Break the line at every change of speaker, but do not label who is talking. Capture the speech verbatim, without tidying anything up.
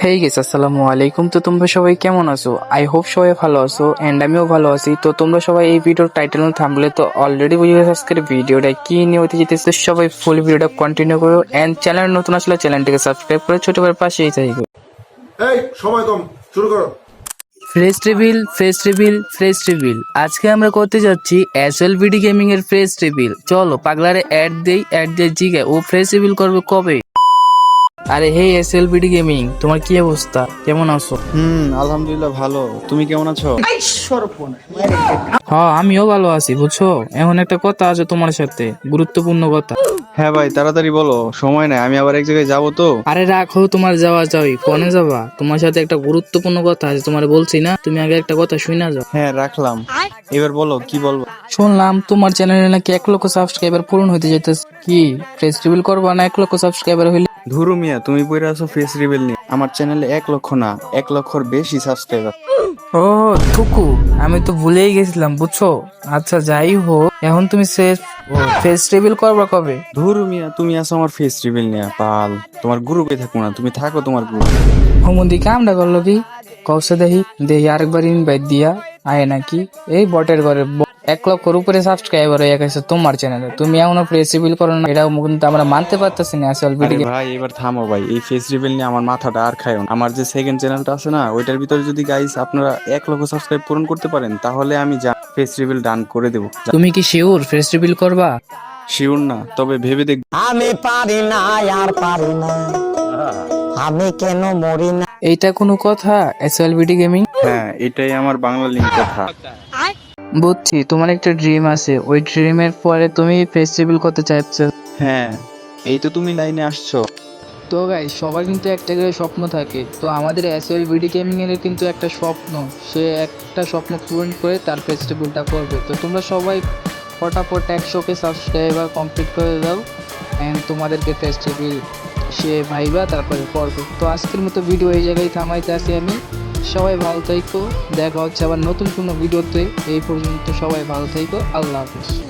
হেই guess আসসালামু আলাইকুম। তো তোমরা সবাই কেমন আছো? আই হোপ সবাই ভালো আছো এন্ড আমিও ভালো আছি। তো তোমরা সবাই এই ভিডিওর টাইটেল থাম্বনেলে তো অলরেডি বুঝে গেছো আজকের ভিডিওটা কি নিয়ে হতে যেতেছে। সবাই ফুল ভিডিওটা কন্টিনিউ করো এন্ড চ্যানেল নতুন আসলে চ্যানেলটিকে সাবস্ক্রাইব করে ছোট ভাইয়ের পাশেই থাকো।
এই সময় কম, শুরু করো।
Fresh reveal fresh reveal fresh reveal আজকে আমরা করতে যাচ্ছি এসএলভিডি গেমিং এর ফ্রেশ রিভিল। চলো পাগলারে অ্যাড দেই, অ্যাড দিয়ে জিগে ও ফ্রেশ রিভিল করবে কবে। আরে হে এসএলভিডি গেমিং, তোমার কি অবস্থা, কেমন আছো?
হুম আলহামদুলিল্লাহ ভালো। তুমি কেমন আছো?
হ্যাঁ আমিও ভালো আছি বুঝছো। এখন একটা কথা আছে তোমার সাথে, গুরুত্বপূর্ণ কথা।
হ্যাঁ ভাই তাড়াতাড়ি বলো, সময় নাই, আমি আবার এক জায়গায় যাবো তো।
আরে রাখো তোমার যাওয়া যাওই, কোনে যাবা? তোমার সাথে একটা গুরুত্বপূর্ণ কথা আছে, তোমার বলছি না, তুমি আগে একটা কথা শুনে যাও।
হ্যাঁ রাখলাম, এবার বলো কি বলবো।
শুনলাম তোমার চ্যানেলে নাকি এক লক্ষ সাবস্ক্রাইবার পূরণ হতে যেতেছে, কি ফেস্টিভ্যাল করবা না এক লক্ষ সাবস্ক্রাইবার হইলে?
ধুরু মিয়া, তুমি পড়ে আছো ফেস রিভিল নিয়ে। আমার চ্যানেলে এক লক্ষ না, এক লক্ষর বেশি সাবস্ক্রাইবার।
ও থুকু, আমি তো ভুলেই গেছিলাম বুঝছো। আচ্ছা যাই হোক, এখন তুমি ফেস রিভিল করবা কবে?
ধুরু মিয়া, তুমি আছো আমার ফেস রিভিল নিয়ে পাল। তোমার গ্রুপে থাকবো না, তুমি থাকো তোমার গ্রুপ।
হুমুন্দি কামটা করলো কি কৌশে দেখি দেখি আরেকবার ইনভাইট দিয়া আয় নাকি এই বটের ঘরে ব- এক লক্ষর উপরে সাবস্ক্রাইবার হয়ে গেছে তোমার চ্যানেলে, তুমি এমন ফ্লেক্সিবল করো না, এটা কিন্তু আমরা মানতে পারতেছি না আসল
আরে
ভিডিও।
ভাই এবার থামো ভাই, এই ফেস রিভিল নিয়ে আমার মাথাটা আর খায় না। আমার যে সেকেন্ড চ্যানেলটা আছে না, ওইটার ভিতরে যদি গাইস আপনারা এক লক্ষ সাবস্ক্রাইব পূরণ করতে পারেন, তাহলে আমি যা ফেস রিভিল ডান করে দেবো।
তুমি কি শিওর ফেস রিভিল করবা?
শিওর না, তবে ভেবে দেখ।
আমি পারি না আর পারি না, আমি কেন মরি না।
এইটা কোনো কথা এসএলভিডি গেমিং?
হ্যাঁ এটাই আমার বাংলা লিঙ্ক কথা।
বুঝছি, তোমার একটা ড্রিম আছে, ওই ড্রিমের পরে তুমি ফেস্টিভ্যাল করতে চাইছো।
হ্যাঁ এই তো তুমি লাইনে আসছো।
তো গাই সবার কিন্তু একটা করে স্বপ্ন থাকে, তো আমাদের এসএলভিডি গেমিং এর কিন্তু একটা স্বপ্ন, সে একটা স্বপ্ন পূরণ করে তার ফেস্টিভ্যালটা করবে। তো তোমরা সবাই ফটাফট একশোকে সাবস্ক্রাইবার কমপ্লিট করে দাও অ্যান্ড তোমাদেরকে ফেস্টিভ্যাল সে ভাইবা তারপরে করবে। তো আজকের মতো ভিডিও এই জায়গায় থামাইতে আসি আমি। সবাই ভালো থাইকো, দেখা হচ্ছে আবার নতুন কোনো ভিডিওতে। এই পর্যন্ত সবাই ভালো থাইকো, আল্লাহ হাফিজ।